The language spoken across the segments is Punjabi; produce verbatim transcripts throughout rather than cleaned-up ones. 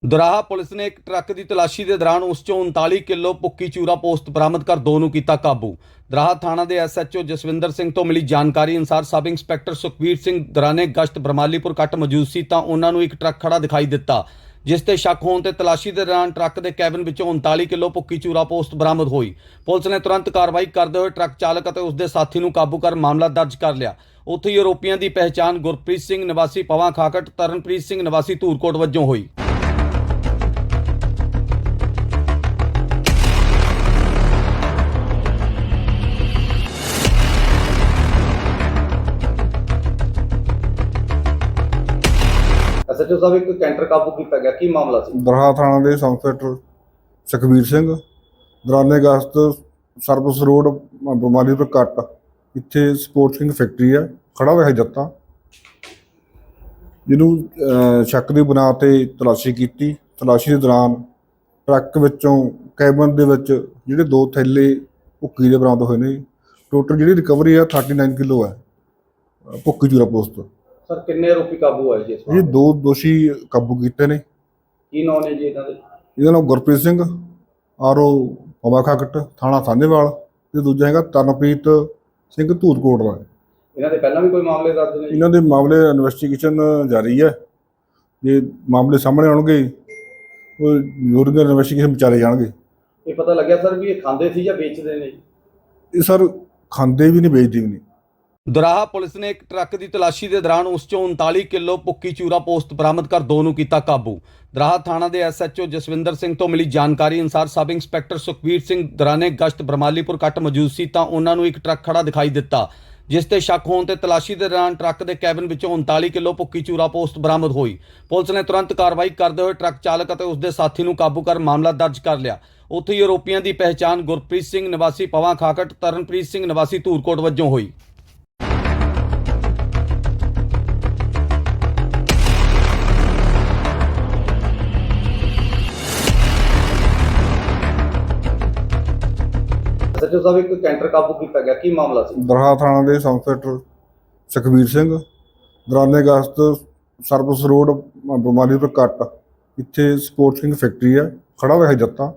ਦੁਰਾਹਾ ਪੁਲਿਸ ਨੇ ਇੱਕ ਟਰੱਕ ਦੀ ਤਲਾਸ਼ੀ ਦੇ ਦੌਰਾਨ ਉਸ ਚੋਂ ਉਨਤਾਲੀ ਕਿਲੋ ਭੁੱਕੀ ਚੂਰਾ ਪੋਸਤ ਬਰਾਮਦ ਕਰ ਦੋ ਨੂੰ ਕੀਤਾ ਕਾਬੂ। ਦੁਰਾਹਾ ਥਾਣਾ ਦੇ ਐਸਐਚਓ ਜਸਵਿੰਦਰ ਸਿੰਘ ਤੋਂ ਮਿਲੀ ਜਾਣਕਾਰੀ ਅਨੁਸਾਰ ਸਬ ਇੰਸਪੈਕਟਰ ਸੁਖਬੀਰ ਸਿੰਘ ਦੌਰਾਨੇ ਗਸ਼ਤ ਬਰਮਾਲੀਪੁਰ ਕੱਟ ਮੌਜੂਦ ਸੀ ਤਾਂ ਉਹਨਾਂ ਨੂੰ ਇੱਕ ਟਰੱਕ ਖੜਾ ਦਿਖਾਈ ਦਿੱਤਾ, ਜਿਸ ਤੇ ਸ਼ੱਕ ਹੋਣ ਤੇ ਤਲਾਸ਼ੀ ਦੇ ਦੌਰਾਨ ਟਰੱਕ ਦੇ ਕੈਬਨ ਵਿੱਚੋਂ ਉਨਤਾਲੀ ਕਿਲੋ ਭੁੱਕੀ ਚੂਰਾ ਪੋਸਟ ਬਰਾਮਦ ਹੋਈ। ਪੁਲਿਸ ਨੇ ਤੁਰੰਤ ਕਾਰਵਾਈ ਕਰਦੇ ਹੋਏ ਟਰੱਕ ਚਾਲਕ ਅਤੇ ਉਸ ਦੇ ਸਾਥੀ ਨੂੰ ਕਾਬੂ ਕਰ ਮਾਮਲਾ ਦਰਜ ਕਰ ਲਿਆ। ਉੱਥੇ ਹੀ ਆਰੋਪੀਆਂ ਦੀ ਪਹਿਚਾਣ ਗੁਰਪ੍ਰੀਤ ਸਿੰਘ ਨਿਵਾਸੀ ਪਵਾਂ ਖਾਕਟ, ਤਰਨਪ੍ਰੀਤ ਸਿੰਘ ਨਿਵਾਸੀ ਧੂਰਕੋਟ ਵਜੋਂ ਹੋਈ। ਐਸਐਚਓ ਸਾਹਿਬ ਇੱਕ ਕੈਂਟਰ ਕਾਬੂ ਕੀਤਾ ਗਿਆ, ਕੀ ਮਾਮਲਾ ਸੀ? ਦੁਰਾਹਾ ਥਾਣਾ ਦੇ ਸਬ ਇੰਸਪੈਕਟਰ ਸੁਖਬੀਰ ਸਿੰਘ ਦੌਰਾਨੇ ਗਸ਼ਤ ਸਰਵਿਸ ਰੋਡ ਬਰਮਾਲੀਪੁਰ ਕੱਟ, ਇੱਥੇ ਸਪੋਰਟਸ ਕਿੰਗ ਫੈਕਟਰੀ ਹੈ, ਖੜਾ ਹੋਇਆ ਜੱਤਾ, ਜਿਹਨੂੰ ਸ਼ੱਕ ਦੀ ਬੁਨਿਆਦ ਤੇ ਤਲਾਸ਼ੀ ਕੀਤੀ। ਤਲਾਸ਼ੀ ਦੇ ਦੌਰਾਨ ਟਰੱਕ ਵਿੱਚੋਂ ਕੈਬਨ ਦੇ ਵਿੱਚ ਜਿਹੜੇ ਦੋ ਥੈਲੇ ਭੁੱਕੀ ਦੇ ਬਰਾਮਦ ਹੋਏ ਨੇ। ਟੋਟਲ ਜਿਹੜੀ ਰਿਕਵਰੀ ਹੈ ਥਰਟੀ ਨਾਈਨ ਕਿਲੋ ਹੈ ਭੁੱਕੀ ਚੂਰਾ ਪੋਸਤ। ਸਰ ਕਿੰਨੇ ਆਰੋਪੀ ਕਾਬੂ ਹੋਏ ਜੀ ਇਸ ਇਹ ਦੋ ਦੋਸ਼ੀ ਕਾਬੂ ਕੀਤੇ ਨੇ। ਕੀ ਨਾਮ ਨੇ ਜੀ ਇਹਨਾਂ ਦੇ? ਇਹਦਾ ਨਾਮ ਗੁਰਪ੍ਰੀਤ ਸਿੰਘ ਆਰਓ ਪਵਾ ਖਾਕਟ, ਥਾਣਾ ਸਾਹਨੇਵਾਲ, ਤੇ ਦੂਜਾ ਹੈਗਾ ਤਰਨਪ੍ਰੀਤ ਸਿੰਘ ਧੂਰਕੋਟ ਦਾ। ਇਹਨਾਂ ਦੇ ਪਹਿਲਾਂ ਵੀ ਕੋਈ ਮਾਮਲੇ ਦਰਜ ਨੇ? ਇਹਨਾਂ ਦੇ ਮਾਮਲੇ ਇਨਵੈਸਟੀਗੇਸ਼ਨ ਜਾਰੀ ਹੈ। ਜੇ ਮਾਮਲੇ ਸਾਹਮਣੇ ਆਉਣਗੇ ਉਹ ਜ਼ਰੂਰ ਇਨਵੈਸਟੀਗੇਸ਼ਨ ਵਿਚਾਰੇ ਜਾਣਗੇ। ਇਹ ਪਤਾ ਲੱਗਿਆ ਸਰ ਵੀ ਇਹ ਖਾਂਦੇ ਸੀ ਜਾਂ ਵੇਚਦੇ ਨੇ ਜੀ? ਇਹ ਸਰ ਖਾਂਦੇ ਵੀ ਨਹੀਂ, ਵੇਚਦੇ ਵੀ ਨਹੀਂ। ਦੁਰਾਹਾ ਪੁਲਿਸ ਨੇ ਇੱਕ ਟਰੱਕ ਦੀ ਤਲਾਸ਼ੀ ਦੇ ਦੌਰਾਨ ਉਸ ਚੋਂ ਉਨਤਾਲੀ ਕਿਲੋ ਭੁੱਕੀ ਚੂਰਾ ਪੋਸਤ ਬਰਾਮਦ ਕਰ ਦੋ ਨੂੰ ਕੀਤਾ ਕਾਬੂ। ਦੁਰਾਹਾ ਥਾਣਾ ਦੇ ਐਸਐਚਓ ਜਸਵਿੰਦਰ ਸਿੰਘ ਤੋਂ ਮਿਲੀ ਜਾਣਕਾਰੀ ਅਨੁਸਾਰ ਸਬ ਇੰਸਪੈਕਟਰ ਸੁਖਬੀਰ ਸਿੰਘ ਦੌਰਾਨੇ ਗਸ਼ਤ ਬਰਮਾਲੀਪੁਰ ਕੱਟ ਮੌਜੂਦ ਸੀ ਤਾਂ ਉਹਨਾਂ ਨੂੰ ਇੱਕ ਟਰੱਕ ਖੜਾ ਦਿਖਾਈ ਦਿੱਤਾ, ਜਿਸ ਤੇ ਸ਼ੱਕ ਹੋਣ ਤੇ ਤਲਾਸ਼ੀ ਦੇ ਦੌਰਾਨ ਟਰੱਕ ਦੇ ਕੈਬਨ ਵਿੱਚੋਂ ਉਨਤਾਲੀ ਕਿਲੋ ਭੁੱਕੀ ਚੂਰਾ ਪੋਸਟ ਬਰਾਮਦ ਹੋਈ। ਪੁਲਿਸ ਨੇ ਤੁਰੰਤ ਕਾਰਵਾਈ ਕਰਦੇ ਹੋਏ ਟਰੱਕ ਚਾਲਕ ਅਤੇ ਉਸ ਦੇ ਸਾਥੀ ਨੂੰ ਕਾਬੂ ਕਰ ਮਾਮਲਾ ਦਰਜ ਕਰ ਲਿਆ। ਉੱਥੇ ਹੀ ਆਰੋਪੀਆਂ ਦੀ ਪਹਿਚਾਣ ਗੁਰਪ੍ਰੀਤ ਸਿੰਘ ਨਿਵਾਸੀ ਪਵਾਂ ਖਾਕਟ, ਤਰਨਪ੍ਰੀਤ ਸਿੰਘ ਨਿਵਾਸੀ ਧੂਰਕੋਟ ਵਜੋਂ ਹੋਈ। ਐਸਐਚਓ ਸਾਹਿਬ ਇੱਕ ਕੈਂਟਰ ਕਾਬੂ ਕੀਤਾ ਗਿਆ, ਕੀ ਮਾਮਲਾ ਸੀ? ਦੁਰਾਹਾ ਥਾਣਾ ਦੇ ਸਬ ਇੰਸਪੈਕਟਰ ਸੁਖਬੀਰ ਸਿੰਘ ਦੌਰਾਨੇ ਗਸ਼ਤ ਸਰਵਿਸ ਰੋਡ ਬਰਮਾਲੀਪੁਰ ਕੱਟ, ਇੱਥੇ ਸਪੋਰਟਸ ਕਿੰਗ ਫੈਕਟਰੀ ਹੈ, ਖੜਾ ਹੋਇਆ ਜੱਤਾ,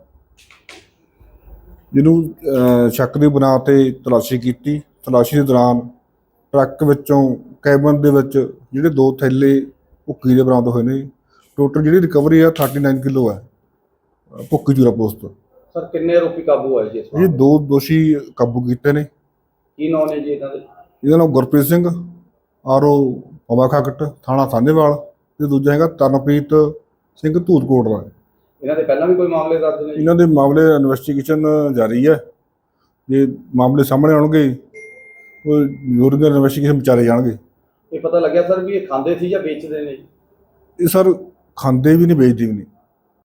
ਜਿਹਨੂੰ ਸ਼ੱਕ ਦੀ ਬੁਨਿਆਦ ਤੇ ਤਲਾਸ਼ੀ ਕੀਤੀ। ਤਲਾਸ਼ੀ ਦੇ ਦੌਰਾਨ ਟਰੱਕ ਵਿੱਚੋਂ ਕੈਬਨ ਦੇ ਵਿੱਚ ਜਿਹੜੇ ਦੋ ਥੈਲੇ ਭੁੱਕੀ ਦੇ ਬਰਾਮਦ ਹੋਏ ਨੇ। ਟੋਟਲ ਜਿਹੜੀ ਰਿਕਵਰੀ ਹੈ ਥਰਟੀ ਨਾਈਨ ਕਿਲੋ ਹੈ ਭੁੱਕੀ ਚੂਰਾ ਪੋਸਤ। ਸਰ ਕਿੰਨੇ ਆਰੋਪੀ ਕਾਬੂ ਹੋਏ ਜੀ ਇਸ ਇਹ ਦੋ ਦੋਸ਼ੀ ਕਾਬੂ ਕੀਤੇ ਨੇ। ਕੀ ਨਾਮ ਨੇ ਜੀ ਇਹਨਾਂ ਦੇ? ਇਹਦਾ ਨਾਮ ਗੁਰਪ੍ਰੀਤ ਸਿੰਘ ਆਰਓ ਪਵਾ ਖਾਕਟ, ਥਾਣਾ ਸਾਹਨੇਵਾਲ, ਤੇ ਦੂਜਾ ਹੈਗਾ ਤਰਨਪ੍ਰੀਤ ਸਿੰਘ ਧੂਰਕੋਟ ਦਾ। ਇਹਨਾਂ ਦੇ ਪਹਿਲਾਂ ਵੀ ਕੋਈ ਮਾਮਲੇ ਦਰਜ ਨੇ? ਇਹਨਾਂ ਦੇ ਮਾਮਲੇ ਇਨਵੈਸਟੀਗੇਸ਼ਨ ਜਾਰੀ ਹੈ। ਜੇ ਮਾਮਲੇ ਸਾਹਮਣੇ ਆਉਣਗੇ ਉਹ ਜ਼ਰੂਰ ਇਨਵੈਸਟੀਗੇਸ਼ਨ ਵਿਚਾਰੇ ਜਾਣਗੇ। ਇਹ ਪਤਾ ਲੱਗਿਆ ਸਰ ਵੀ ਇਹ ਖਾਂਦੇ ਸੀ ਜਾਂ ਵੇਚਦੇ ਨੇ ਜੀ? ਇਹ ਸਰ ਖਾਂਦੇ ਵੀ ਨਹੀਂ, ਵੇਚਦੇ ਵੀ ਨਹੀਂ।